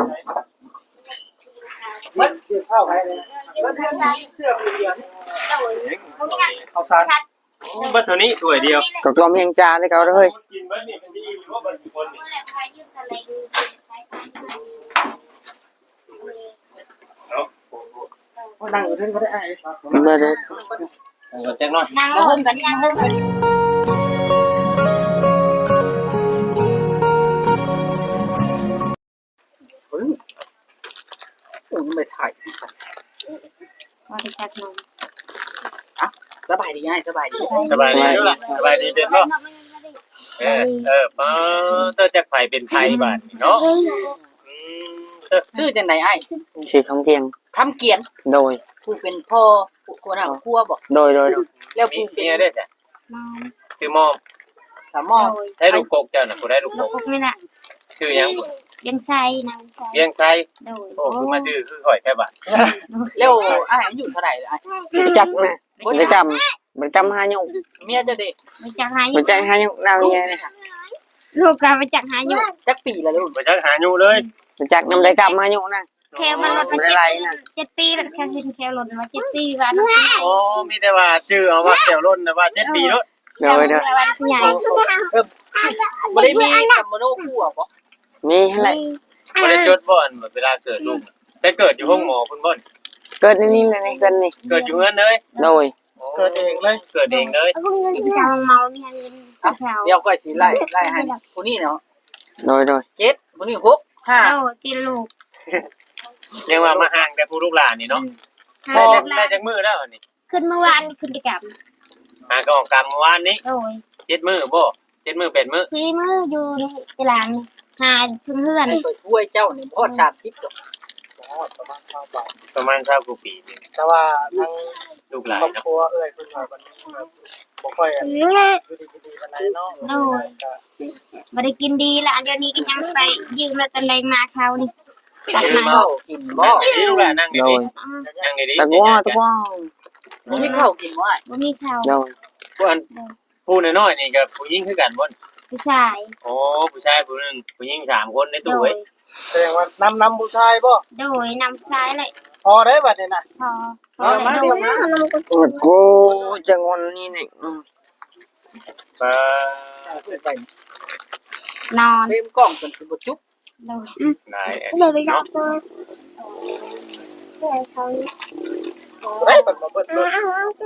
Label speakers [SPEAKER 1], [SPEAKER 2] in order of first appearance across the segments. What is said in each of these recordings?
[SPEAKER 1] มันกินข้าวไปเลยมันเชื่อเดียวเอาซานบัตรนี้ถ้วยเดียว
[SPEAKER 2] ก็กลมเฮงจานให้เขาเลย
[SPEAKER 1] กินบัตรนี่มันดีหรือว่าบัตรคนนั่งอยู่ที่ก็ได้
[SPEAKER 2] มาเลย
[SPEAKER 1] แจ้งหน่อย
[SPEAKER 3] นั่งลงกันนั่งลงกัน
[SPEAKER 1] ไม่ถ่าย
[SPEAKER 3] มาดิจักนม
[SPEAKER 1] สบายดีง่ายสบายดีสบายดีด้วยล่ะสบายดีเด็ดเนาะป้าเต้าจะไฟเป็นไทยบ้านเนาะ
[SPEAKER 4] ชื่อจังได๋อ้าย
[SPEAKER 2] ชื่อคำเกียง
[SPEAKER 4] คำเกียน
[SPEAKER 2] โดย
[SPEAKER 4] ผู้เป็นพ่อคนหาครัวบ่
[SPEAKER 2] โดย
[SPEAKER 4] แล้วผู้
[SPEAKER 1] เป็นได้จ้ะชื่อมอม
[SPEAKER 4] สามอม
[SPEAKER 1] ได้ลูกกกเจ้าน่ะบ่ได้ลูกกก
[SPEAKER 3] นี่น่ะ
[SPEAKER 1] ชื่อหยัง
[SPEAKER 3] เบียงไซนางไซ
[SPEAKER 1] เบียงไซ
[SPEAKER 3] โดย
[SPEAKER 1] โอ้คือมาชื่อคือข่อยแค่บาด
[SPEAKER 4] แล้วอ้ายอายุเท่าไหร่อ้าย
[SPEAKER 2] จักนะบ่จำหายุ
[SPEAKER 4] เมียจะเด็ก
[SPEAKER 3] บ่จักหายุ
[SPEAKER 2] บ่จักหายุนาวเมียนี่
[SPEAKER 3] ลูกก็บ่จักหายุ
[SPEAKER 4] จักปีละลูก
[SPEAKER 1] บ่จักหายุเลย
[SPEAKER 2] บ่จักนำได้กำหายุนะ
[SPEAKER 3] แค่มันลดมา7 ปีแล้วแค่แค่ลดมา7 ปีว่า
[SPEAKER 1] โอ้มีแต่ว่าชื่อเอาว่าแก้วล้นนะว่า7 ปีโลด
[SPEAKER 2] โดย
[SPEAKER 3] ใหญ่
[SPEAKER 4] บ่ได้มีคำมโนครัวบ่
[SPEAKER 2] มีหั่นแหละ
[SPEAKER 1] บ่ได้จดบ่อนเวลาเกิดลูกแต่เกิดอยู่ห้องหมอพุ่นบ่
[SPEAKER 2] เกิดนี่เลยเกิดนี่
[SPEAKER 1] เกิดอยู่เฮือนเลย
[SPEAKER 2] โดย
[SPEAKER 1] เกิดเองเลยเกิดเองเลย
[SPEAKER 3] จังเมามีเงิน
[SPEAKER 4] เดี๋ยวก็สิไล่ให้ผู้นี้เนาะ
[SPEAKER 2] โดย
[SPEAKER 4] 7ผู้นี้6 5
[SPEAKER 3] โอ้กินลูก
[SPEAKER 1] ยังว่ามาห่างแต่ผู้ลูกหลานนี่เนาะพอได้จักมื้อแล้วนี่
[SPEAKER 3] ขึ้นเมื่อวานขึ้นกิจกรรม
[SPEAKER 1] หาก็ออกกรรมเมื่อวานนี้
[SPEAKER 3] โอ้ย
[SPEAKER 1] 7 มื้อบ่7 มื้อ8 มื้อ
[SPEAKER 3] 4 มื้ออยู่ในตารางหาเพื่อน
[SPEAKER 4] ไปช่วยเจ้านี่พอ30ดอก
[SPEAKER 1] ประมาณ20กว่าปี
[SPEAKER 5] แต่ว่าทั้ง
[SPEAKER 1] ลูกหลาน
[SPEAKER 5] ครอบครัวเอ้ยเพิ่นว่ามันบ่ค่อยอยู่ดีๆปานใดเนาะ
[SPEAKER 3] โอ้ยบ่ได้กินดีละอันเดี๋ยวนี้ก็ยังไปยืมแล้วตะแรงมาเขานี่
[SPEAKER 4] ตัดมากินบ่
[SPEAKER 1] ลูกหลานนั่งดีๆนั่งดีๆ
[SPEAKER 2] ตะก้อ
[SPEAKER 4] บ่มีข้าวกินบ่
[SPEAKER 3] บ่มีข้าว
[SPEAKER 2] โดย
[SPEAKER 1] ผู้น้อยๆนี่ก็ผู้หญิงคือกันบ่
[SPEAKER 3] ผู้ชาย
[SPEAKER 1] โอ้ผู้ชายผู้นึงผู้หญิง3คนในตู้เว้ย
[SPEAKER 5] แสดงว่านำผู้ชายบ่
[SPEAKER 3] โดยนำซ้ายเลย
[SPEAKER 5] พอได้บัดนี้น่ะ
[SPEAKER 3] พอ
[SPEAKER 5] มาโด
[SPEAKER 2] ยกูจังวันนี้นี่
[SPEAKER 3] นอน
[SPEAKER 4] เต็มกล้องจนสิบ่จุ๊บ
[SPEAKER 3] โดย
[SPEAKER 1] นาย
[SPEAKER 3] เลยไปจับตัวเขา
[SPEAKER 5] ได้บัดบ่เบิดเลย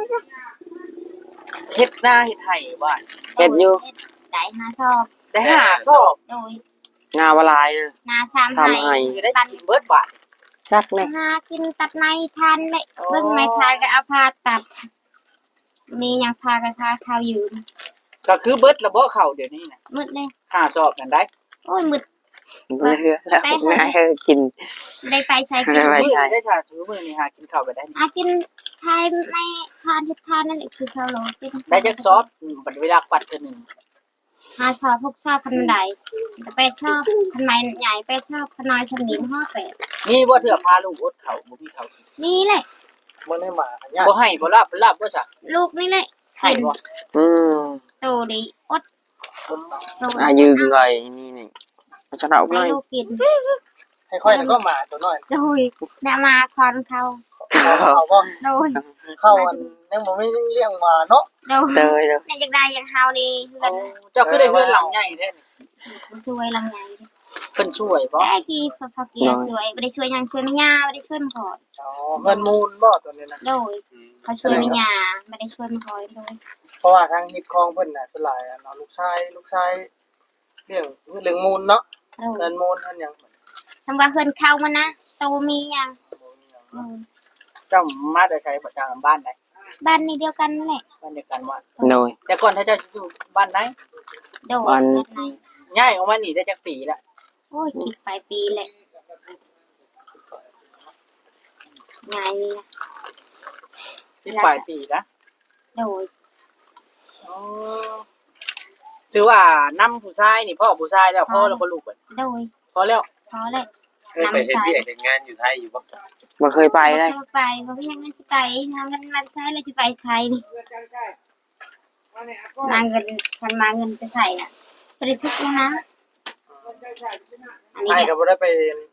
[SPEAKER 4] เฮ็ดหน้าเฮ็ดไห้บ้าน
[SPEAKER 2] เฮ็ดอยู่
[SPEAKER 3] ได้5 ซอบ
[SPEAKER 4] ได้5ซอบ
[SPEAKER 3] โดย
[SPEAKER 2] งาวลาย
[SPEAKER 3] นา3 ให้
[SPEAKER 4] ได้ตันเบิดบาท
[SPEAKER 2] จักนี่
[SPEAKER 3] หากินตัดในทันเลยเบิ่งไม้ทานก็เอาผ้าตัดมีหยังพาก็พาข้าวยืม
[SPEAKER 4] ก็คือเบิดระบ่เข้าเดี๋ยวนี้น่ะ
[SPEAKER 3] มืดเลย
[SPEAKER 4] 5ซอบนั่นได้
[SPEAKER 3] โอ้ยมืด
[SPEAKER 2] แล้วง่ายกิน
[SPEAKER 3] ได้ไปใช้กิน
[SPEAKER 4] ได้ชาถือมื้อนี้หากินข้าวก็ได้
[SPEAKER 3] กินทายไม่ทานที่ทานนั่นแหละคือข้าวโล
[SPEAKER 4] ได้จักซอบบัดเวลาปัดกันนึง
[SPEAKER 3] 5 ชอบ6 ชอบพันใด8 ชอบพันไม้ใหญ่8 ชอบพันน้อยชั้นนี้8
[SPEAKER 4] นี่บ่เถื่อพาลูกอดข้าวบ่มีข้าว
[SPEAKER 3] นี่แหละ
[SPEAKER 5] บ่ได้มาอันยาก
[SPEAKER 4] บ่ให้บ่ลาบบ่ซะ
[SPEAKER 3] ลูกนี่แหละ
[SPEAKER 4] ให้บ่
[SPEAKER 3] โตดีอด
[SPEAKER 2] ยืนเลยนี่จะเอาเลย
[SPEAKER 3] ลูกกิน
[SPEAKER 5] ค่อยๆก็มาตัวน้อย
[SPEAKER 3] โดยได้มาคอนเขา
[SPEAKER 5] บ่
[SPEAKER 3] โดย
[SPEAKER 5] เข้าอันยังบ่มีเลี้ยงมาเนาะ
[SPEAKER 3] โดยในจักได้ยังเฮานี่เฮือน
[SPEAKER 4] เจ้าคือได้เฮือนหลังใหญ่แท้
[SPEAKER 3] บ่ช่วยหลังใหญ่
[SPEAKER 4] เพิ่นช่วยบ่
[SPEAKER 3] ได้กี่พอเกียช่วยบ่ได้ช่วยหยังช่วยแม่ย่าบ่ได้ช่วยพ่อ
[SPEAKER 5] เงินมูลบ่ตัวนี้นะ
[SPEAKER 3] โดยเขาช่วยแม่ย่าบ่ได้ช่วยพ่อโดย
[SPEAKER 5] เพราะว่าทางฮิตคองเพิ่นน่ะส่วนหลายเนาะลูกชายเรื่องมูลเนาะเงินมูลอันหยัง
[SPEAKER 3] สำว่าเฮือนเข้ามานะโตมีหยัง
[SPEAKER 4] เจ้ามาแต่ใช้ประจำบ้านใด
[SPEAKER 3] บ้านนี้เดียวกันแหละ
[SPEAKER 4] บ้านเดียวกันว่า
[SPEAKER 2] โดย
[SPEAKER 4] แต่ก่อนถ้าเจ้าอยู่บ้านไหน
[SPEAKER 3] โดยบ้านไหน
[SPEAKER 4] ย้ายออกมานี่ได้จักปีแล้ว
[SPEAKER 3] โอ้ยคิดไปปีแหละง่ายนี่นะ
[SPEAKER 4] คิดไปปีนะ
[SPEAKER 3] โดย
[SPEAKER 4] ถือว่านำผู้ชายนี่พ่อผู้ชายแล้วพ่อแล้วบ่ลูกเบิด
[SPEAKER 3] โดย
[SPEAKER 4] พอแล้ว
[SPEAKER 1] เคยไปเฮ็ดเวียกเฮ็ดงานอยู่ไทยอยู่บ่
[SPEAKER 2] บ่เคยไปเลย
[SPEAKER 3] ไปบ่มีหยังสิไปหาเงินมาใช้แล้วสิไปไทยนี่มาเงินคันมาเงินจะใส่น่ะบ่ได้ทุกข์นะ
[SPEAKER 5] อันนี้ก็บ่ได้ไป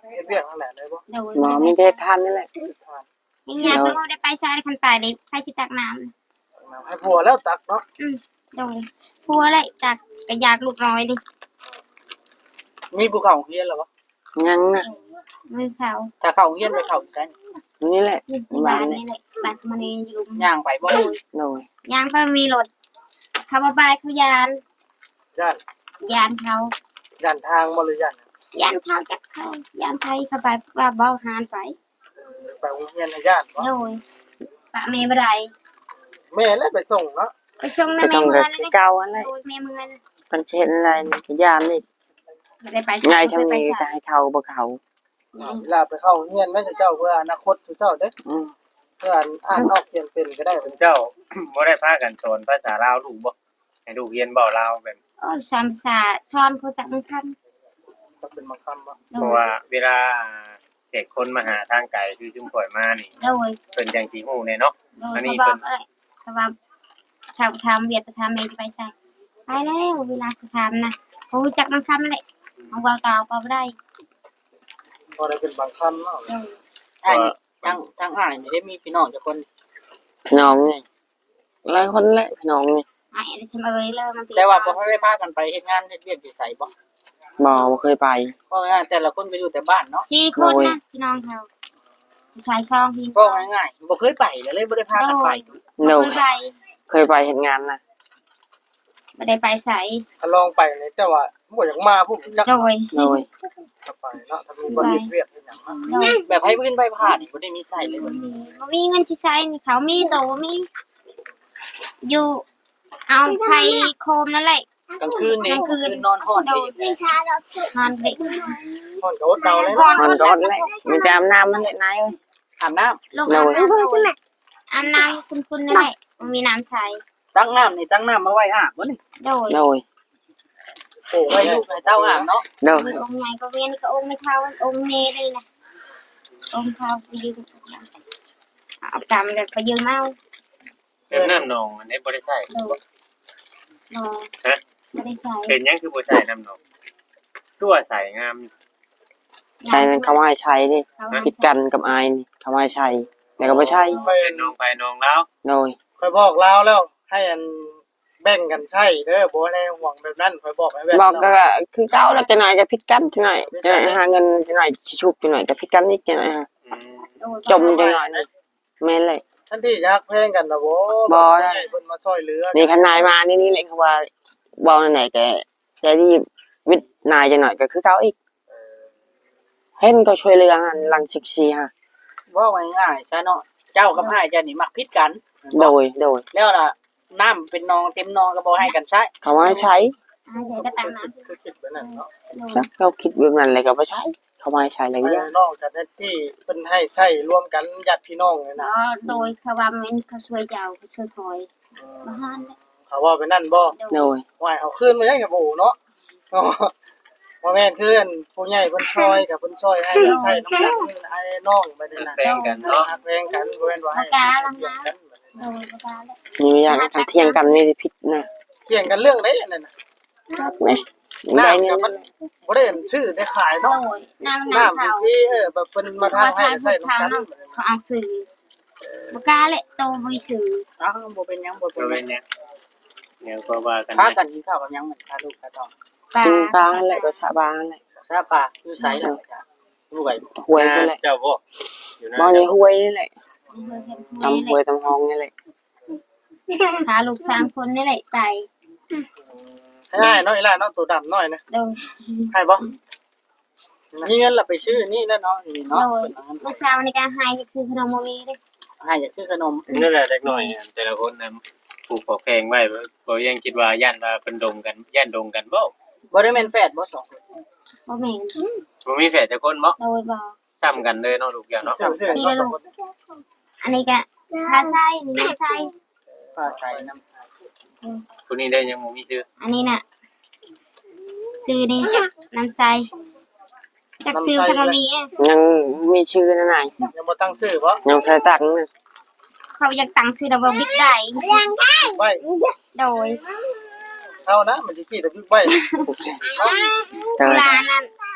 [SPEAKER 5] เฮ็ดเวียกนั่นแหละได้บ่
[SPEAKER 3] โดย
[SPEAKER 2] หมอมีเทศทานนี่แหละ
[SPEAKER 3] ยังอยากเขาได้ไปใช้คันตายเลยใครสิตักน้ำ
[SPEAKER 5] ให้ผัวแล้วตักเนาะ
[SPEAKER 3] โดยพัวเลยจากกระยากลูกน้อยดิ
[SPEAKER 4] มีภูเขาเฮียนแล้วบ่
[SPEAKER 2] ยังน่ะ
[SPEAKER 3] มือเขา
[SPEAKER 4] ถ้าเข้าเฮียนไปเข้าใช่
[SPEAKER 2] นี่แหละ
[SPEAKER 3] บ้า
[SPEAKER 2] บ้าน น
[SPEAKER 3] นี่
[SPEAKER 2] นี่
[SPEAKER 3] แหละบ้านมันอยู่
[SPEAKER 4] ย่างไปบ่
[SPEAKER 2] โดย
[SPEAKER 3] ยางเขามีรถเขามาบายเขายาน
[SPEAKER 5] ย่าน
[SPEAKER 3] ยานเขา
[SPEAKER 5] ย่านทางบ่หรือย่าน
[SPEAKER 3] ยานเขาจากเขายานไทยเขาไปว่าบ่หานไป
[SPEAKER 5] ไปโรงเรียนในย่านบ่
[SPEAKER 3] โดยปะเมย์บ่ได้
[SPEAKER 5] แม่แล้วไปส่งเนาะ
[SPEAKER 3] ไปชงใน
[SPEAKER 2] ก็
[SPEAKER 3] แม่
[SPEAKER 2] ต้อง
[SPEAKER 3] เมื
[SPEAKER 2] กั
[SPEAKER 3] องนั่นเลย
[SPEAKER 2] เก่าอะไร
[SPEAKER 3] โดยแม่เมือง
[SPEAKER 2] กันเช่นอะไรนี่ก็ยามนี่
[SPEAKER 3] บ่ได้ไป
[SPEAKER 2] ไงทำ
[SPEAKER 3] ไป
[SPEAKER 2] นี้จะให้เขาบ่เขา
[SPEAKER 5] เวลาไปเข้าโรงเรียนแม่เจ้าเพื่ออนาคตเจ้าเด้อ
[SPEAKER 2] อืม
[SPEAKER 5] เพื่ออ่านออกเขียนเป็นก็ได้เป็น
[SPEAKER 1] เจ้า บ่ได้พากันสอนภาษาลาวลูกบ่ให้ลูกเรียนเว้าลาวแบบ
[SPEAKER 3] โอ้ยสามภาษาช้อนเขาจากมันคัน
[SPEAKER 5] ก็เป็นบางคำบ่
[SPEAKER 3] โด
[SPEAKER 1] เพราะ
[SPEAKER 3] ย
[SPEAKER 1] ว่าเวลาเด็กคนมาหาทางไกลคือจุ่มข่อยมานี่
[SPEAKER 3] โดย
[SPEAKER 1] เพิ่นจังสิฮู้แน่เนาะ
[SPEAKER 3] โดย
[SPEAKER 1] อันนี้
[SPEAKER 3] เขาบ
[SPEAKER 1] เป็
[SPEAKER 3] อน กอะไรเขาว่าชาวทำเวียดไปทำเมย์จะไปใส่ไปแล้วเวลาจะทำนะเขารู้จักมันคำเลยเอาวางต่อก็ไม่ได้
[SPEAKER 5] พอได้เป็นบางคำเนาะ
[SPEAKER 3] โดย
[SPEAKER 4] ใช่ทางอ้ายนี่ได้มีพี่น้องจักคน
[SPEAKER 2] พี่น้องนี่หลายคนแหละพี่น้องนี่
[SPEAKER 3] ไอ้เฉมเอยเริ่มมัน
[SPEAKER 4] แต่ว่าบ่ได้พากันไปเฮ็ดงานเฮ็ดเวียกที่ไสบ่
[SPEAKER 2] บ่เคยไป
[SPEAKER 4] เพราะว่าแต่ละคนก็อยู่แต่บ้านเนาะ
[SPEAKER 3] สี่คนนะพี่น้องเขาผู้ชายช่องพี่
[SPEAKER 4] ก็ง่ายๆบ่เคยไปเลยบ่ได้พากันไป
[SPEAKER 2] โด
[SPEAKER 3] โด
[SPEAKER 2] ย
[SPEAKER 3] ยไป
[SPEAKER 2] เคยไปเฮ็ดงานนะ
[SPEAKER 3] ไม่ได้ไปใส่
[SPEAKER 5] ถ้าลองไปนี่แต่ว่าบ่อยากมาพวกจัก
[SPEAKER 3] โดย
[SPEAKER 2] โดย
[SPEAKER 5] จะไปเนาะถ้ามีบ่เฮ็ดเวียกเฮ็ดหยังเนาะ
[SPEAKER 3] โดย
[SPEAKER 4] แบบให้เพิ่นไปผ่านนี่บ่ได้มีใช้เลยบ่
[SPEAKER 3] มีเงินที่ใช้เขามีโตมีอยู่เอาไข่โคมนั่นแหละ
[SPEAKER 4] กลางคืนนี่คืนนอนฮ้อน
[SPEAKER 3] โด
[SPEAKER 4] ที่
[SPEAKER 3] ยนอนเด็ก
[SPEAKER 5] พ่อนก็อดเดาเลยเนาะ
[SPEAKER 2] มันก็อดแหละมีแต่อาบน้ำมันแหละนายเอ้ย
[SPEAKER 4] อาบน้ำ
[SPEAKER 3] ลูกอาบน้ำโดยอาบน้ำคุณนั่นแหละมีน้ำใช้
[SPEAKER 4] ตั้งน้ำนี่ตั้งน้ำมาไว้อาบบ่นี่
[SPEAKER 3] โดย
[SPEAKER 2] โดย
[SPEAKER 4] โอ้ไว้ลูกให้เต้าอาบเนาะ
[SPEAKER 2] โดย
[SPEAKER 3] องค์ใหญ่ก็เวียนก็องค์ไม่เท่าองค์เนเลยนะองค์เท่าไปยืมเอากำเลยไปยืมเอา
[SPEAKER 1] เป็นน้ำหนองอันนี้บ่ได้ใช้
[SPEAKER 3] โดยรอไม่ได้ใส่
[SPEAKER 1] เป็นหยังคือบ่ใช้น้ำหนองตัวใส่งามอยู่
[SPEAKER 2] ใช้นั้นเขาว่าให้ใช้นี่ผิดกันกับอายนี่เขาว่าให้ใช้แต่ก็บ่ใช่
[SPEAKER 1] เป็นน้องไปน้องแล้ว
[SPEAKER 2] โดย
[SPEAKER 5] ค่อยบอกลาวแล้ว ให้อันแบ่งกันใช้เด้อบ่ได้ห่วงแบบนั้นค่อยบอกให้แบบ
[SPEAKER 2] บอกก็คือเก่าแล้วจะหน่อยก็ผิดกันจะหน่อยจะหน่อยหาเงินจะหน่อยสิชุบจะหน่อยก็ผิดกันอีกจะหน่อยฮะ
[SPEAKER 1] อืม
[SPEAKER 2] จมจะหน่อยนะแม่นเลย
[SPEAKER 5] ท่านที่อยากแพงกันนะบ่
[SPEAKER 2] บ่ได้
[SPEAKER 5] ให้เพิ่นมาช่วยเหลือ
[SPEAKER 2] นี่ขนายมานี่แหละเขาว่าเว้าไหนๆแกใจดีวิทย์นายจะหน่อยก็คือเก่าอีกเห็นก็ช่วยเหลือหันหลัง14ฮะ
[SPEAKER 4] ว่าง่ายๆซะเนาะเจ้ากับอ้ายเจ้านี่มักผิดกัน
[SPEAKER 2] โดย
[SPEAKER 4] แล้วน่ะน้ำเป็นนองเต็มนองก็บ่ให้กันใช้
[SPEAKER 2] เขาว่าให้ใช้
[SPEAKER 3] อาใส่ก็ตังน้
[SPEAKER 5] คือคิดแบบนั้นเนาะ
[SPEAKER 3] ำ
[SPEAKER 2] สักเราคิดแบบนั้นเลยก็บ่ใช้เขาว่าให้ใช้อะไรก็ยาก
[SPEAKER 5] น้องจัดที่เพิ่นให้ใช้ร่วมกันญาติพี่น้องเลยนะ
[SPEAKER 3] โดยเขาว่ามันเขาช่วยเจ้าเขาช่วยถอยมาหัน
[SPEAKER 5] เขาว่าไปนั่นบ่
[SPEAKER 2] โดย
[SPEAKER 5] ว่าเอาคืนมายังกับโอ้เนาะบ่แม่นคืออันผู้ใหญ่เพิ่นช่วยกับเพิ่นช่วยให้ใช้น้ำกันให้น้องไปนั่นน่ะ
[SPEAKER 1] แบ่งกันเนาะ
[SPEAKER 5] แพงกันบ่แม่นว่าให้
[SPEAKER 3] โดยประการแล้ว
[SPEAKER 2] มีอย่างกันเที่ยงกันนี่ผิดนะ
[SPEAKER 5] เถียงกันเรื่องใดอันนั้นน่ะ
[SPEAKER 2] แม่ได้เงิน
[SPEAKER 5] บ่ได้ชื่อได้ขาย
[SPEAKER 3] โด
[SPEAKER 5] เนาะ
[SPEAKER 3] ยน้ำ
[SPEAKER 5] น้ำ
[SPEAKER 3] เขา
[SPEAKER 5] ที่แบบเพิ่นมาทางให้ใช้น้ำกัน
[SPEAKER 3] เขาเอาสื่อประการเลยโตบุยสื่อ
[SPEAKER 4] อ้าวบ่เป็นหยังบ่เป็น
[SPEAKER 1] บ่
[SPEAKER 4] หยั
[SPEAKER 1] เป็
[SPEAKER 4] ง
[SPEAKER 1] นหยังเดี๋ยวก็ว่ากัน
[SPEAKER 4] พา
[SPEAKER 1] นะ
[SPEAKER 4] กันกินข้าวกับหยังเหมือนพาลูกพาน้อง
[SPEAKER 3] ปลา
[SPEAKER 2] กินปลาแหละก็ชาบานแหละ
[SPEAKER 4] ซาป่าอยู่ไสล่ะจ้ะรวยบ่
[SPEAKER 2] ห้วยก็แหละ
[SPEAKER 1] เจ้าบ่อยู่นะ
[SPEAKER 2] บ่ในห้วยนี่แหละ
[SPEAKER 3] ทำ
[SPEAKER 2] ตำห้วยตำห้องนี่แหละ
[SPEAKER 3] หาลูก3คนนี่แหละใจ
[SPEAKER 5] ให้น้อยล่ะเนาะตัวดำน้อยนะ
[SPEAKER 3] โดย
[SPEAKER 5] ให้บ่
[SPEAKER 4] มีเงินล่ะไปซื้อนี่แล้วเนาะนี่
[SPEAKER 3] โด
[SPEAKER 4] เนาะ
[SPEAKER 3] ยเมื่อเช้าในการหายคือขนมโมมีเลย
[SPEAKER 4] ให้อยากซื้อขนม
[SPEAKER 1] นั่นแหละเล็กน้อยอะแต่ละคนน่ะปลูกขอแพงไว้บ่ยังคิดว่าย่านว่าเพิ่นดงกันย่านดงกันบ่
[SPEAKER 4] บ่ได้แม่นแฝดบ่สองคน
[SPEAKER 3] บ่แม่น
[SPEAKER 1] บ่มีแฝดจักคนบ่
[SPEAKER 3] โดยบ่
[SPEAKER 1] ซ้ำกันเลยเนาะลูกอย่างเนาะ
[SPEAKER 5] ซื้อ
[SPEAKER 3] นี่ลูกอันนี้ก็พาไส้นี่ไส้
[SPEAKER 4] ฟ้าใสน้ำ
[SPEAKER 1] ผู้นี้ได้ยังบ่มีชื่อ
[SPEAKER 3] อันนี้น่ะซื้อนี่น้ำใสจากซื้อขนมนี้
[SPEAKER 2] ยังมีชื่อนั่นน่ะ
[SPEAKER 5] ยังบ่ตั้งชื่อบ่
[SPEAKER 2] ยังแค่ตักนะ
[SPEAKER 3] เขาอยากตั้งซื้อดับเบิลบิ๊กได้
[SPEAKER 5] ไว้
[SPEAKER 3] โดย
[SPEAKER 5] เท่านะมันสิขี้ตะบิ๊กไว้
[SPEAKER 2] แต่
[SPEAKER 3] เวลานั้น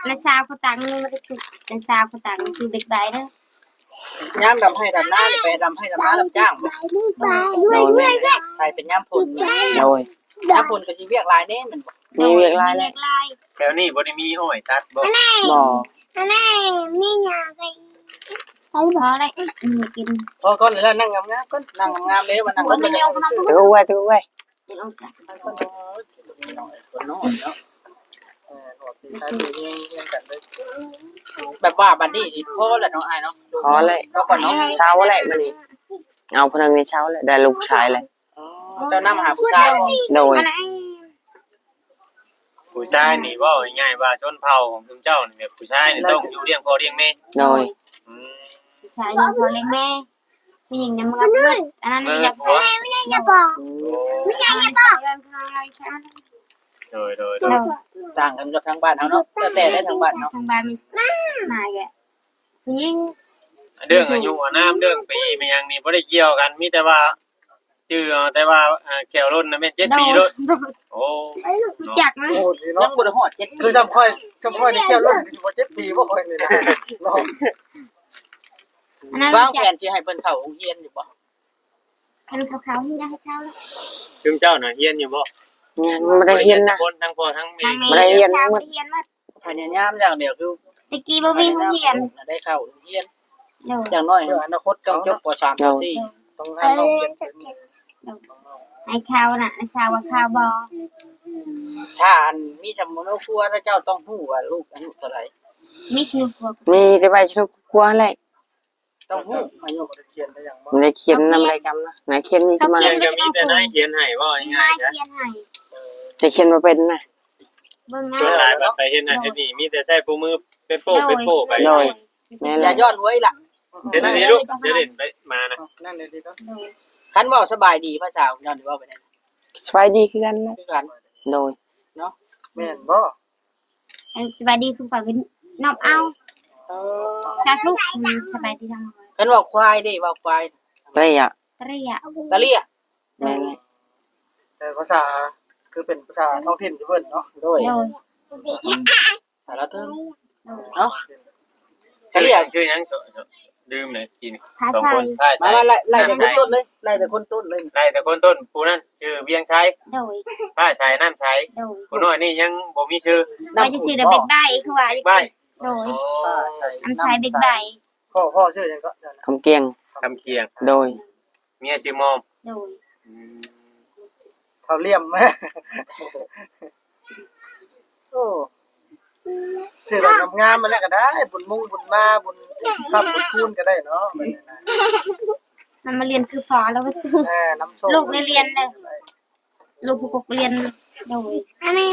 [SPEAKER 3] ในซาวเขาตังนี่ไม่ได้คือในซาวเขาตังคือเด็กใบเด้อย่
[SPEAKER 4] ามดำให้ดำหน้านี่ไปดำให้ดำหน้าดำจ้างบ่
[SPEAKER 2] โดยแม่
[SPEAKER 4] ใครเป็นย่ามพุ่น
[SPEAKER 2] โดย
[SPEAKER 4] ย่ามพุ่นก็สิเวียกหลายแน่มันบ่
[SPEAKER 2] มีเวียกลาย
[SPEAKER 3] เด็
[SPEAKER 2] แล้ว
[SPEAKER 3] กลาย
[SPEAKER 1] แถวนี้บ่ได้มีอ้อยตัดบ่
[SPEAKER 2] บ่
[SPEAKER 3] แม่นี่ยาไปเขาบอกอะไรกิน
[SPEAKER 5] พอก่อนแล้วนั่งงามๆก่อน
[SPEAKER 4] นั่งงามๆเลยมันนั่ง
[SPEAKER 3] คน
[SPEAKER 4] มัน
[SPEAKER 3] เดียวเขา
[SPEAKER 2] ตะกูไว้ตะกูไว้
[SPEAKER 3] เป็นองค์การ
[SPEAKER 4] คนน้อยเนาะ
[SPEAKER 5] ออกตีท้ายตีเงี้ยกันเลย
[SPEAKER 4] แบบว่าบัดนี้สิพอแล้วเนาะอ้ายเนาะ
[SPEAKER 2] พอเลย
[SPEAKER 4] ก็ก่อนเนาะ
[SPEAKER 2] เช้าแหละมื้อนี้เอาพนังในเช้าแหละได้ลูกชายเลย
[SPEAKER 4] เจ้านำหาผู้ชายบ่
[SPEAKER 2] โดย
[SPEAKER 3] อะไร
[SPEAKER 1] ผู้ชายนี่เว่าง่ายๆว่าชนเผ่าของคุณเจ้านี่แบบผู้ชายนี่ต้องอยู่เลี้ยงพ่อเลี้ยงแม่
[SPEAKER 2] โดย
[SPEAKER 1] อืม
[SPEAKER 3] ผู้ชายพอเลี้ยงแม่ผู้หญิงเนี่ยมันก็เลือดอันนั้นอยากใช้ไม่ได้จะบอกไม่ใช่จะบอกเรื่องอะไรใช่ไหม
[SPEAKER 1] โดย
[SPEAKER 4] ต่างกันกับทางบ้านเฮาเนาะแต่ได้ทางบ้านเนาะ
[SPEAKER 3] ทางบ้านมันนายแกผู้หญิง
[SPEAKER 1] เรื่องอายุอานามเรื่องปีมันยังนี่บ่ได้เกี่ยวกันมีแต่ว่าชื่อเอาแต่ว่าแก้วรุ่นน่ะแม่น7ปีโลดโอ้
[SPEAKER 3] รู้จักไหม
[SPEAKER 5] โอ้ดี
[SPEAKER 4] ยั
[SPEAKER 5] เนาะ
[SPEAKER 4] งบ่ได้ฮอด7
[SPEAKER 5] คือจำค่อยนี่แค่รุ่นที่บ่7 ปีบ่ค่อยนี่นะเนาะ
[SPEAKER 3] อันนั้น
[SPEAKER 4] วาง
[SPEAKER 3] รู้
[SPEAKER 4] แผ
[SPEAKER 3] จัก
[SPEAKER 4] นสิให้เพิ่นเข้าโรงเรียนอยู่บ่
[SPEAKER 3] คันขาวๆที่ได้ให้เขาแล้ว
[SPEAKER 1] คุณเจ้าน่ะเฮียนอยู่บ่
[SPEAKER 2] ยังไม่ได้เรียนนะ
[SPEAKER 1] คนทั้งพ่อทั้งแม่
[SPEAKER 3] ทาง
[SPEAKER 2] ไม่ได้เรียน
[SPEAKER 3] ทางเรียนมา
[SPEAKER 4] พยายามอย่างเดียวคือ
[SPEAKER 3] ตะกี้บ่มีผู้เรียน
[SPEAKER 4] ได้เข้าโรงเรียน
[SPEAKER 3] เดี๋ยว
[SPEAKER 4] อย่างน้อยอนาคตต้องจบป .3 ป
[SPEAKER 5] ต้องให้เขาเรียน
[SPEAKER 3] ให้เขาน่ะชาวว่าข้าวบอ
[SPEAKER 4] .4 ถ้าอันมีจำนวนครัวแล้วเจ้าต้องฮู้ว่าลูกอายุเท่าไหร่
[SPEAKER 3] มีชื่อพวก
[SPEAKER 2] มีแต่ใบชนุกกลัวแหละ
[SPEAKER 4] ต้องฮู้อายุ
[SPEAKER 5] เขียนได้อย่างบ่
[SPEAKER 2] ไม่ได้เขียนนำอะไรกรรมนะไหนเขียนนี่จะมา
[SPEAKER 1] ยังจะมีแต่นายเขียนให้ว่า
[SPEAKER 3] นา
[SPEAKER 1] ง่าย
[SPEAKER 3] ย
[SPEAKER 1] ๆจ้ะ
[SPEAKER 3] เขียนให้
[SPEAKER 2] จะเขียนมาเป็นนะ
[SPEAKER 3] เบิ่งหน้า
[SPEAKER 1] ส่วนหลายบัดไปเฮ็ดนั่นเฮ็ดนี่มีแต่ใช้ผู้มือเป็นโป้ไป
[SPEAKER 2] โดยแม่น
[SPEAKER 4] อ
[SPEAKER 2] แห
[SPEAKER 4] ย่า
[SPEAKER 2] ละ
[SPEAKER 4] ย้อนไว้ล่ะ
[SPEAKER 1] เดี๋ยวนี้ลูกเดี๋ยวเล่นไปมานะ
[SPEAKER 5] นั่นเลยดีเนาะ
[SPEAKER 4] คันเว้าสบายดีภาษาของย้อนว่าไปได้
[SPEAKER 2] สบายดีคือกันนะ
[SPEAKER 4] คือกัน
[SPEAKER 2] โดย
[SPEAKER 5] แม่นบ่
[SPEAKER 3] สบายดีคือฝ่ายเป็นน้องเอาชาทุกสบายดีทั้งหมด
[SPEAKER 4] คันว่าควายได้ว่าควาย
[SPEAKER 2] เตะอ่ะ
[SPEAKER 3] เรีย
[SPEAKER 4] ตะเลีย
[SPEAKER 2] แม่นแหละ
[SPEAKER 5] แต่ภาษาคือเป็นภาษาท้องถิ่นอยู่เพิ่นเนาะ
[SPEAKER 4] โดย
[SPEAKER 3] โดย
[SPEAKER 4] สารเทิงเนาะ
[SPEAKER 1] เฉลี่ยชื่อหยังลืมเลยกิน
[SPEAKER 3] ภา
[SPEAKER 1] สอง
[SPEAKER 3] ษา
[SPEAKER 1] คนใช่
[SPEAKER 4] มา
[SPEAKER 1] ใช่
[SPEAKER 4] ไล่แต่คนต้นเลยไล่แต่คนต้นเลย
[SPEAKER 1] ไล่แต่คนต้นผู้นั้นชื่อเวียงชัย
[SPEAKER 3] โดย
[SPEAKER 1] ป้าชัยน้ำชัย
[SPEAKER 3] โดย
[SPEAKER 1] ผู้น้อยนี่ยังบ่มีชื่อ
[SPEAKER 3] เราจะซื้อเด็กเบ็ดใบคือว่า
[SPEAKER 1] ใบ
[SPEAKER 3] โดย
[SPEAKER 5] ใช่
[SPEAKER 3] อันชายเบ็ดใบ
[SPEAKER 5] พ่อชื่อหยังก็
[SPEAKER 2] คำเกียง
[SPEAKER 1] คำเคียง
[SPEAKER 2] โดย
[SPEAKER 1] เมียชื่อมอม
[SPEAKER 3] โดย
[SPEAKER 5] เท่าเลี่ยมแม่โอ้ชื่อแบบงามๆมาแล้วก็ได้บุญมุ่งบุญมาบุญข้ามบุญคูณก็ได้เนาะ
[SPEAKER 3] มันมาเรียนคือพอแล้วก็
[SPEAKER 5] น้ำส้ม
[SPEAKER 3] ลูกในเรียนเลยลูกผู้ปกเรียนโดยอันนี้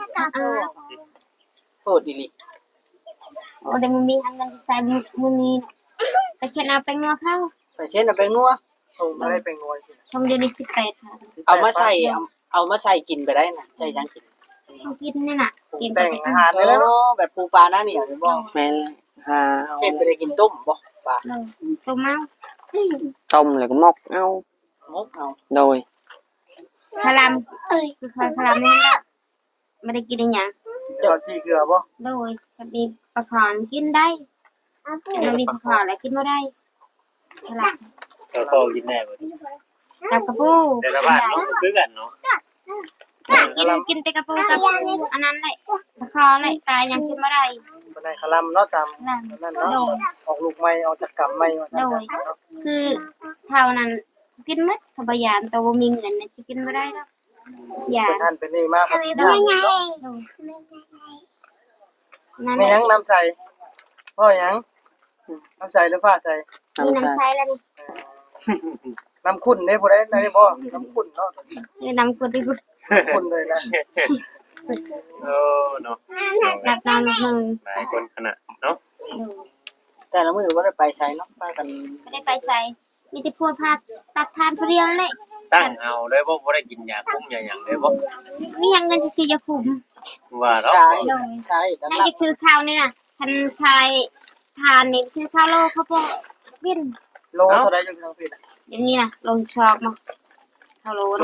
[SPEAKER 4] โทษดี
[SPEAKER 3] โอ้เดี๋ยวมันมีทางเงินใส่มือนี้ไปเช็ดเอาไปงัวเข้า
[SPEAKER 4] ไปเช่นเอาไปนัว
[SPEAKER 5] ส่งมาได้เป็นงวย
[SPEAKER 3] ชมเดือนนี้18ค่ะ
[SPEAKER 4] เอามาใส่เอามาใส่กินไปได้นะใช่ยังกิน
[SPEAKER 3] เขากินนี่น่ะกิน
[SPEAKER 5] แต่งอาหาร
[SPEAKER 4] เอ
[SPEAKER 5] ได้แล้วเนาะ
[SPEAKER 4] อแบบปูปลาหน้านี่หรือบ่
[SPEAKER 2] แม่นแหละหา
[SPEAKER 4] เฮ็ดไปได้กินต้มบ่ปลา
[SPEAKER 3] ตัวเมา
[SPEAKER 2] ต้มแล้วก็มกเอา
[SPEAKER 4] มกเอา
[SPEAKER 2] โดย
[SPEAKER 3] พลัมคือคอยพลัมนี่ละไม่ได้กินอะไรอย่าง
[SPEAKER 5] เจ้าจีเกลือบ่
[SPEAKER 3] โดยจะมีปลาขอนกินได้มันมีปลาขอนอะไรกินไม่ได้พลัม
[SPEAKER 1] ก็พอกินแน่บ่
[SPEAKER 3] กับกระปู
[SPEAKER 1] แต่ละบ้านเนาะคือกันเนาะ
[SPEAKER 3] กินแต่กระปูกับอันนั้นเลยปลาขอนเลยตายยังกินไม่ได้
[SPEAKER 5] บ่ได้คลำเนาะตาม
[SPEAKER 3] นั่น
[SPEAKER 5] นั่นเนาะออกลูกใหม่ออกจากกำใหม่ว่าซั่น
[SPEAKER 3] โดยคือเท่านั้นกินมัดขบยานตัวมีเงินนะกินไม่ได้แล้วยา
[SPEAKER 5] เป็นท่านเป็นนี่มากครับ
[SPEAKER 3] นั่น
[SPEAKER 5] แม่ยังน้ำใสพ่อยังน้ำใสหรือฟ้าใส
[SPEAKER 3] มี
[SPEAKER 2] น้ำ
[SPEAKER 3] น้ำ
[SPEAKER 2] ตา
[SPEAKER 3] ใช้แล้วนี่
[SPEAKER 5] น้ำขุ่นได้บ่ได้บ่น้ำขุ่นเนาะ
[SPEAKER 3] คือน้ำกุดที่กุด
[SPEAKER 5] ขุ่นเลยนะ
[SPEAKER 1] โอ้เนาะ
[SPEAKER 3] หลับนอนหนึ่ง
[SPEAKER 1] หลายคนขนาดเนาะ
[SPEAKER 4] แต่ละมื้อบ่ได้ไปใช้เนาะไปกัน
[SPEAKER 3] ไม่ได้ไปใส่มีแต่พวกพาตัดทานเรียงเลย
[SPEAKER 1] ตั้งเอาเลยบ่ได้กินยาคุมยาหยังเลยบ่
[SPEAKER 3] มีอย่างเงินจะซื้อยาคุม
[SPEAKER 1] ว่าเนาะ
[SPEAKER 4] ใช้ใช้แล้ว
[SPEAKER 3] ให้จะซื้อข้าวนี่นะทันชายทานนี่ซื้อข้าวโลเขาบอกบิน
[SPEAKER 5] โลเท่าใดอยู่ทางผิด
[SPEAKER 3] เดี๋ยวนี้นะลงชอบมาข้าวโล
[SPEAKER 5] โล
[SPEAKER 3] นะ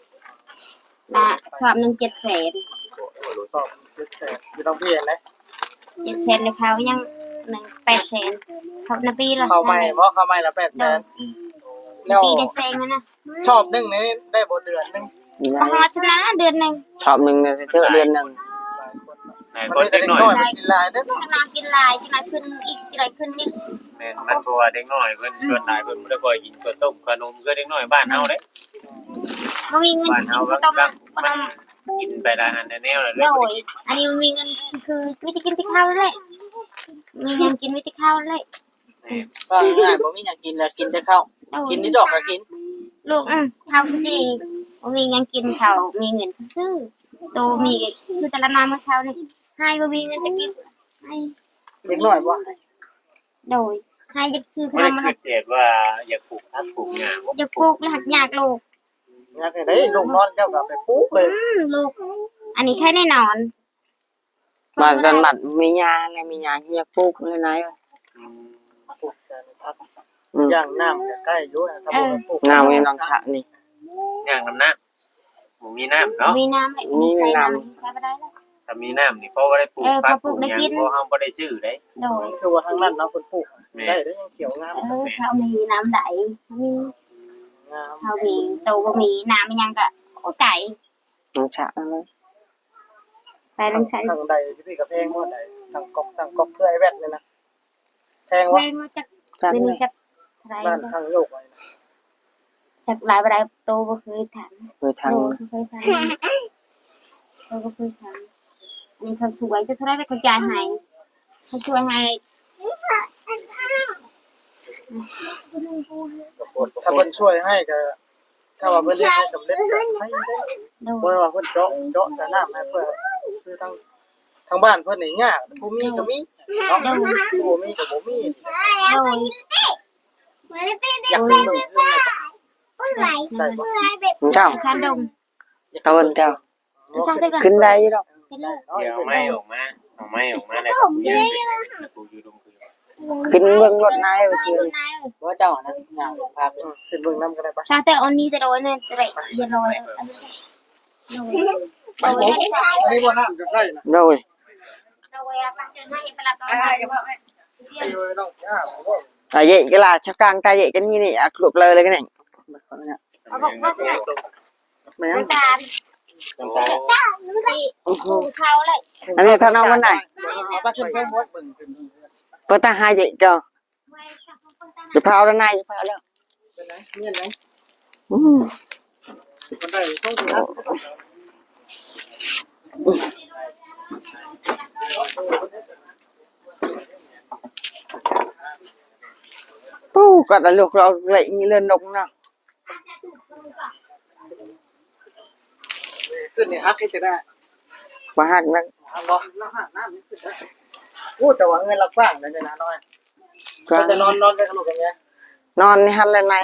[SPEAKER 5] 12
[SPEAKER 3] นะชอบ1 700,000
[SPEAKER 5] สอบ7แสนอยู่ทางพี่เห็นไหม
[SPEAKER 3] 700,000เลยเขายัง800,000เขานาปีละ
[SPEAKER 5] เข้าใหม่บ่เข้าใหม่ละ800,000แล้ว
[SPEAKER 3] ปีได้แซงนะ
[SPEAKER 5] ชอบนึงนี่ได้บ่เดือนนึง
[SPEAKER 3] ประมาณชนะเดือนนึง
[SPEAKER 2] ชอบหนึ่งเนี่ยเจอเดือนหนึ่ง
[SPEAKER 1] ไหน
[SPEAKER 5] มัน
[SPEAKER 1] คน
[SPEAKER 5] ได้
[SPEAKER 1] เด็ก
[SPEAKER 5] เด็ก
[SPEAKER 1] น้อย
[SPEAKER 5] น้อยมันกินหลายเด้อ
[SPEAKER 3] จะนอนกินลายจะนอนขึ้นอีกอะไรขึ้นอีก
[SPEAKER 1] แม่นมันเพราะว่าเด็กน้อยเพิ่นส่วนหลายเพิ่นบ่ได้ค่อยกินข้าวต้มขนมคือเด็กน้อยบ้านเฮาเด้
[SPEAKER 3] มันมีเงิน
[SPEAKER 1] บ้านเฮา
[SPEAKER 3] ต้
[SPEAKER 1] ก็
[SPEAKER 3] ม
[SPEAKER 1] มันกินไปหลายอันแนวแล้ว
[SPEAKER 3] โดยอันนี้มันมีเงินคือวิธีกินที่ข้าวเลยมียังกินวิธีข้าวเลย
[SPEAKER 5] ก็ง่ายบ่มีหยังกินแล้วกินแต่ข้าวกินนิดดอกก็กิน
[SPEAKER 3] ลูกข้าวดีมียังกินเขามีเงินซื้อโตมีคือแต่ละมาเมื่อเช้านี่ให้บ่มีเงินจะกินให้
[SPEAKER 5] เด็กน้อยบ่
[SPEAKER 3] โดยให้จะคือ
[SPEAKER 1] ไม่
[SPEAKER 3] ทำมัน
[SPEAKER 1] ได้คิดเด็ดว่าอยากปลูกผักปลูกหญ้า
[SPEAKER 3] จะปลูกหักยากลูก
[SPEAKER 5] อยากให้ได้ลูกนอนเจ้าก็ไปปลูกเลย
[SPEAKER 3] ลูกอันนี้แค่แน่นอน
[SPEAKER 2] มากันบัดมียาอะไรมียาที่จะปลูกอะไรไหน
[SPEAKER 5] ปลูกแต่พักย่างน้ำใกล้อยู่ถ้าบ่ปลูก
[SPEAKER 2] น้ำในน้องฉะนี่
[SPEAKER 1] ย่างน้ำน้ำหมูมีน้ำเนาะ
[SPEAKER 3] มีน้ำเลยมีน้ำใช้ไม่ได้แล้ว
[SPEAKER 1] ถ้ามีน้ำนี่เพราะว่าได้ปลูกผักปลูกหญ้าเพราะเฮาบ่ได้ซื้อเด้
[SPEAKER 3] โดย
[SPEAKER 5] คือว่าทางนั้นเนาะเพิ่นปลูกได้ยังเขียวงาม
[SPEAKER 3] เขามีน้ำไหลมี
[SPEAKER 5] งาม
[SPEAKER 3] เขามีโตบ่มีน้ำยังก็ไก่
[SPEAKER 2] น้องฉะอะไร
[SPEAKER 3] ไปลงใส่
[SPEAKER 5] ทางใดที่พี่กับแพงบ่ได้ทางกอกเครือไอ้แวดนี่นะแพง
[SPEAKER 3] แพ
[SPEAKER 5] วะ
[SPEAKER 3] งมาจาก
[SPEAKER 2] จัง
[SPEAKER 3] เป็น
[SPEAKER 2] เลย
[SPEAKER 3] จากไร
[SPEAKER 5] บ้านทางโลกไว้
[SPEAKER 3] จากหลายบรายโตบ่เคยถาม
[SPEAKER 2] โดยทาง
[SPEAKER 3] โตเคยถามโตบ่เคยถามอันนี้เขาสวยจะเท่าไรเขาจ่ายให้เขาช่วยให้
[SPEAKER 5] ถ้าเพิ่นช่วยให้ก็ถ้าว่าเพิ่นเรียกให้สำเร็จก็ให้ได้
[SPEAKER 3] โด
[SPEAKER 5] บ่
[SPEAKER 3] ย
[SPEAKER 5] ว่าเพิ่นเจาะแต่น้ำให้เพิ่นคือทางบ้านเพิ่นนี่ยากผู้มีก็มีเนาะผู้บ่มีก็บ่มี
[SPEAKER 3] โดย
[SPEAKER 5] อยากเป็นเบิ่งเรื่องใช่บ่
[SPEAKER 2] เจ้า
[SPEAKER 3] ชั้นดง
[SPEAKER 2] ตะวันเจ้า
[SPEAKER 3] ชั้นตึก
[SPEAKER 2] ขึ้นได้อยี่ดอก
[SPEAKER 3] ขึ้นเลย
[SPEAKER 1] เดี๋ยวไม่ออกมาแล้วปลูกหญ้าเป็นปลูกอยู่ดงคือ
[SPEAKER 2] ขึ้นเบื้องรถนายไปซื้อ
[SPEAKER 5] ว่าเจ้านะย่างพาไปขึ้นเบิ่งน้ำก็ได้ปะ
[SPEAKER 3] ชั้นตึกอันนี้จะโดยเนี่ยจะได้อย่าโดย
[SPEAKER 5] ไปบ่นี่บ่น้ำจะใช่นะ
[SPEAKER 2] โดย
[SPEAKER 3] โดยปัจจุบันให้ไปรับน้อง
[SPEAKER 5] ไปเลยน้องย่าบ่
[SPEAKER 2] อ่ะเยอะก็ล่ะชักกลางตาเยอะกันนี่นี่อ่ะคลุกเลยกันนี่
[SPEAKER 3] เอาบอกว่า
[SPEAKER 5] แม่ง
[SPEAKER 3] น้ำตาลที่เขาเลย
[SPEAKER 2] อันนี้ถ้าน้องวันไหน
[SPEAKER 5] เอาไปขึ้นเพิ่มเบิ่งขึ้น
[SPEAKER 2] เปิดตาหายเยอะจ้ะจะพาเอาด้านในจะพาแล้ว
[SPEAKER 5] เป็นไงเมียนไหม
[SPEAKER 2] อืม
[SPEAKER 5] คนได้ต้องสินะ
[SPEAKER 2] ตู้ก็แต่ลูกเราเลยมีเลื่อนลงเนาะ
[SPEAKER 5] ขึ้นนี่ฮักให้จะได้
[SPEAKER 2] มาหักนัก
[SPEAKER 5] ฮักบ่แล้วฮักน้ำนี่ขึ้นได้โอ้แต่ว่าเงินเรากว้างเลยนะน้อย
[SPEAKER 2] ก็
[SPEAKER 5] จะนอนกันกับลูกกันไง
[SPEAKER 2] นอนในหันเลยไหน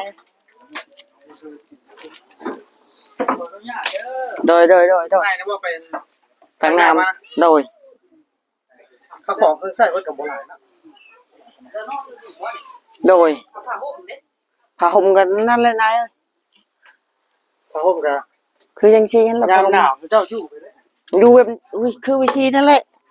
[SPEAKER 2] โดย
[SPEAKER 5] ได้นะว่าเป็น
[SPEAKER 2] ทางน้ำโดย
[SPEAKER 5] ข้าวของเครื่องใส่ไว้กับโบราณนะ
[SPEAKER 2] โดยผ้าห่มกันนั่นเลยนาย
[SPEAKER 5] ผ้าห่มกับ
[SPEAKER 2] คือยังชี้กันแล้ว
[SPEAKER 5] ยามหนาวเจ้าอยู่ไปเลย
[SPEAKER 2] ดูแบบอุ้ยคือวิธีนั่นแหละ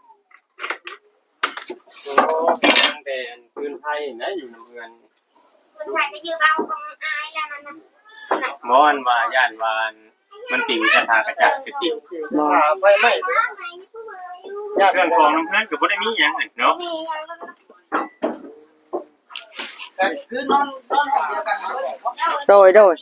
[SPEAKER 1] ตั้งแต่พื้นไผ่นะอยู่ในเมือง
[SPEAKER 3] คนไทยก็ยืมเอาของอายแล้วนั่นนะ
[SPEAKER 1] มอนว่าย่านวานมันติ่งจะทากระจัดกระติ่ง
[SPEAKER 5] หาไฟไหม้ญาติ
[SPEAKER 1] เครื่องกรองน้ำพันก็บ่ได้มีหยังเนาะ
[SPEAKER 3] มียัง
[SPEAKER 5] คือนอนเดียวกัน
[SPEAKER 2] โดย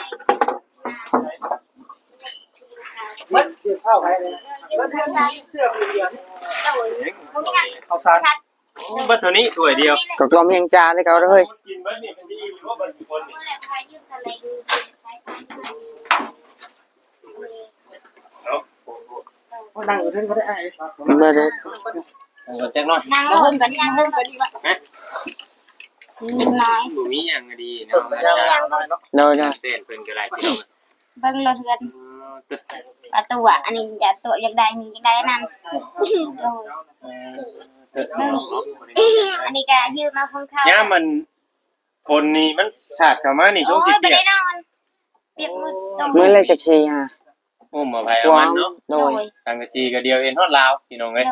[SPEAKER 5] มันเกี่ยวข้าวไปเลยมันเชื่อเดียวเอาสาร
[SPEAKER 1] บัดเท่านี้ถ้วยเดียว
[SPEAKER 2] ก็กลมยังจานให้เขาเลย
[SPEAKER 1] กินเบิดนี่มันสิอิ่มบ่บัดกี่คนนี่เนาะ
[SPEAKER 5] นั่งอยู่ที่เขาได้ไอ้
[SPEAKER 2] เบอร์เลย
[SPEAKER 1] จังน้อย
[SPEAKER 3] นางลงกันยังลงกันดีกว่านิดน้อย
[SPEAKER 1] บ่มีหยังก็ดี
[SPEAKER 5] เปิ
[SPEAKER 1] เนาะ
[SPEAKER 5] ดยางน้อยเนาะ
[SPEAKER 2] โดย
[SPEAKER 1] เต้นเพิ่นก็ได้พี่น้อง
[SPEAKER 3] เบิ่งรถเรือนประตูอันนี้อย่าตัวอยากได้นี่อยากได้นั่นอันนี้ก็ยืมมาของเขา
[SPEAKER 1] ย่ามันคนนี่มันสาดเข้ามานี่ช่วง
[SPEAKER 3] โอ้
[SPEAKER 1] สิ
[SPEAKER 3] ยไป
[SPEAKER 1] เปีย
[SPEAKER 3] ได้
[SPEAKER 1] ก
[SPEAKER 3] นอนเปียกมืด
[SPEAKER 2] เมื่อไรจากซีฮะ
[SPEAKER 1] โอ้มาไผเอามันเนาะ
[SPEAKER 2] โดย
[SPEAKER 1] ทางกะจีก็เดียวเอ็นฮอดลาวพี่น้องเอ้ย
[SPEAKER 3] โดย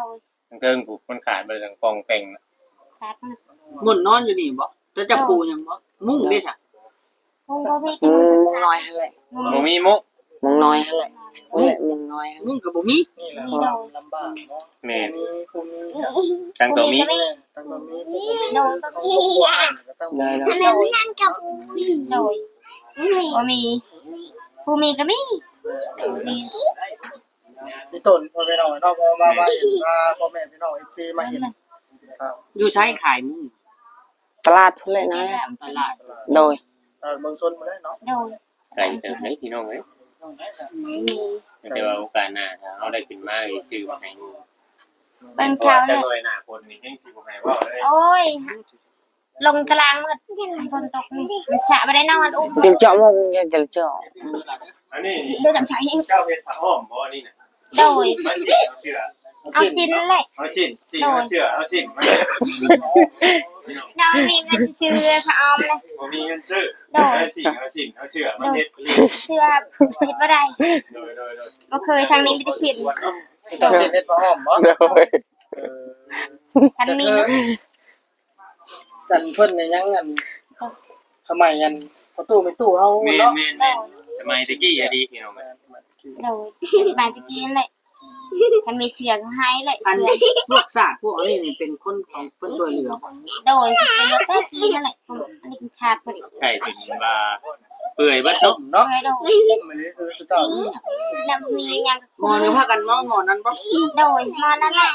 [SPEAKER 1] เทิงผูกมันขาดไปทางกองแต่งนะ
[SPEAKER 3] ขาดมือ
[SPEAKER 4] มุ่นนอนอยู่นี่บ่จะจับปูหยังบ่มุ่งเด้จ้ะ
[SPEAKER 3] มุงบ่มี
[SPEAKER 2] มุ
[SPEAKER 3] กิน
[SPEAKER 2] งน้อยหั่นแหละ
[SPEAKER 1] บ่มีมุก
[SPEAKER 2] มุงน้อยหั่นแหละนั่นแหละมุงน้อยหั่น
[SPEAKER 4] มุ่งก็บ่มี
[SPEAKER 5] นี่แหละความลำบากเนาะ
[SPEAKER 1] แม่น
[SPEAKER 5] มีผู้มี
[SPEAKER 1] จังตัวมี
[SPEAKER 5] ตั้งแต่มีผู้มี
[SPEAKER 3] โดยก็มี
[SPEAKER 5] ก็ต้อง
[SPEAKER 2] ได้
[SPEAKER 3] ทำไมไม่นั่งกับโดยบ่มีผู้มีก็มีมี
[SPEAKER 5] มีต้นพ่อแม่น้องเนาะมาเห็นว่าพ่อแม่พี่น้อง FC มาเห็นครับ
[SPEAKER 4] อยู่ใช้ขายมุ่ง
[SPEAKER 2] ตลาดพุ่นเลยนะ
[SPEAKER 4] ตลาด
[SPEAKER 2] โดย
[SPEAKER 5] เมืองชนมาได้เนาะ
[SPEAKER 3] โดย
[SPEAKER 1] ไก่เติมได้พี่น้องเอ้ย
[SPEAKER 3] มี
[SPEAKER 1] แต่ว่าโอกาสหน้าถ้าเฮาได้ขึ้นมาอีกชื่อบ่ให้
[SPEAKER 3] เป็นเขา
[SPEAKER 1] จะ
[SPEAKER 3] เนี่ย
[SPEAKER 1] หน่วยหน้าคนนี่ยังสิบ่ให้เว้าเลย
[SPEAKER 3] โอ้ยลงตารางมืดฝนตกนี่มันสะไม่ได้นอนอุ้ม
[SPEAKER 2] จึงเจาะมงยังจะเจาะ
[SPEAKER 1] อันนี้
[SPEAKER 3] เดินจำใจ
[SPEAKER 1] เจ้าเฮ็ดผ้าอ้อมบ่นี่น่ะ
[SPEAKER 3] โดย
[SPEAKER 1] มันสิเอาเชื่อ
[SPEAKER 3] เอาชิ้นเลย
[SPEAKER 1] เอาชิ้นเอาเชื่อเอาชิ้นมัน
[SPEAKER 3] น้องมีเงินซื้อพระออมเลย
[SPEAKER 1] บ่มีเงินซื้อ
[SPEAKER 3] โดย
[SPEAKER 1] เอาชิ้นเอาเชื่อมันเฮ็ดเรีย
[SPEAKER 3] เสื้อเห็ดบ่ได้
[SPEAKER 1] โดย
[SPEAKER 3] บ่เคยทางนี้ไม่ได้เสีย
[SPEAKER 5] ต้องเฮ็ดผ้าอ้อมบ่
[SPEAKER 2] โดย
[SPEAKER 3] ทันมีนะ
[SPEAKER 5] กันเพิ่นเนี่ยยังอันสมัยอันประตูไม่ตู้เฮา
[SPEAKER 1] แม่
[SPEAKER 5] เนาะ
[SPEAKER 1] สมัยตะกี้อะดีพี่น้อง
[SPEAKER 3] โดยบางตะกี้นั่นแหละฉันมีเสือให้เลย
[SPEAKER 4] อัน
[SPEAKER 3] เสือ
[SPEAKER 4] พวกศาสตร์พวกนี้นี่เป็นคนของเพิ่นช่วยเหลือบ่
[SPEAKER 3] โดยเป็นรถตะกี้นั่นแหละอันนี้คือขาดพอดี
[SPEAKER 1] ใช่ถึงว่าเปื่อยเบิดเนาะ
[SPEAKER 5] เนาะ
[SPEAKER 3] โดย
[SPEAKER 5] ต้มอันนี้คือสุดยอด
[SPEAKER 3] แล้วมีอย่าง
[SPEAKER 4] งอนหรือพากันมองงอนนั้นบ่
[SPEAKER 3] โดยมานั่นแหละ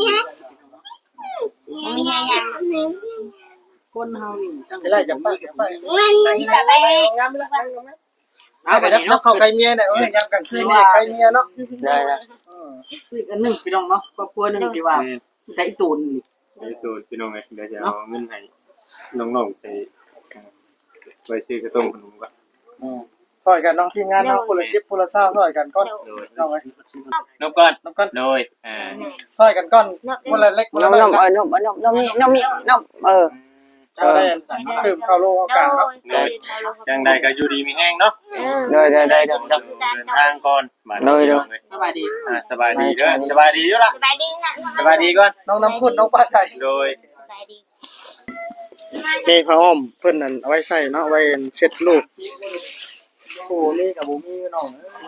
[SPEAKER 3] มีอย่าง
[SPEAKER 4] คนเฮานี่จัง
[SPEAKER 5] สิไล่จับไปจับไป
[SPEAKER 3] แบบไป
[SPEAKER 5] งามละงามละ
[SPEAKER 4] เอาไป
[SPEAKER 5] ไป
[SPEAKER 4] นี่
[SPEAKER 5] เนาะ
[SPEAKER 4] เนาะ
[SPEAKER 5] เข้าไก่เมียเนี่ยยามกลางคืนเนี่ยไก่เมียเนาะ
[SPEAKER 2] ได้นะ
[SPEAKER 4] อีกอันหนึงพี่น้องเนาะครอบครัวหนึงที่ว่าได้ตูนนี่
[SPEAKER 1] ไอ้ตัวพี่น้องเดี๋ยวจะเอาเงินให้น้องๆไปซื้อกระต้มขนมก่อน
[SPEAKER 5] ซอยกันน้องทีมงานเนาะคนละ10คนละ20ซอยกันก้อน
[SPEAKER 1] โดย
[SPEAKER 5] น้องเอ้ย
[SPEAKER 1] นกก่อน
[SPEAKER 5] น้องก้อน
[SPEAKER 1] โดย
[SPEAKER 5] ซอยกันก้อนคนละเล็กคน
[SPEAKER 2] น
[SPEAKER 5] ละ
[SPEAKER 2] ม
[SPEAKER 5] น้
[SPEAKER 2] น
[SPEAKER 5] อย
[SPEAKER 2] มนมนมนี่นมนี่นม
[SPEAKER 5] เอาได้ดื่มข้าวโลกลางเนาะ
[SPEAKER 1] จังใดก็อยู่ดีมีแห้งเนาะ
[SPEAKER 2] โดย
[SPEAKER 1] เดินทางก่อนมา
[SPEAKER 4] สบายดี
[SPEAKER 1] สบายดีเด้อสบายดีอยู่ล่ะ
[SPEAKER 3] สบายดีนะ
[SPEAKER 1] สบายดีก่อน
[SPEAKER 5] น้องน้ำพุ่นน้องปลาใส่
[SPEAKER 1] โดย
[SPEAKER 3] สบายดี
[SPEAKER 5] มีผ้าอ้อมเพิ่นนั่นเอาไว้ใส่เนาะไว้เช็ดลูกโอ้นี่กับบ่มีน้อง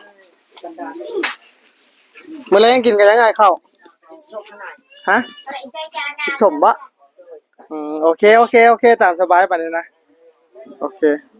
[SPEAKER 5] มื้อแลงกินกันยังไงข้าวฮะกินสมบ่โอเคตามสบายปานนี้นะโอเค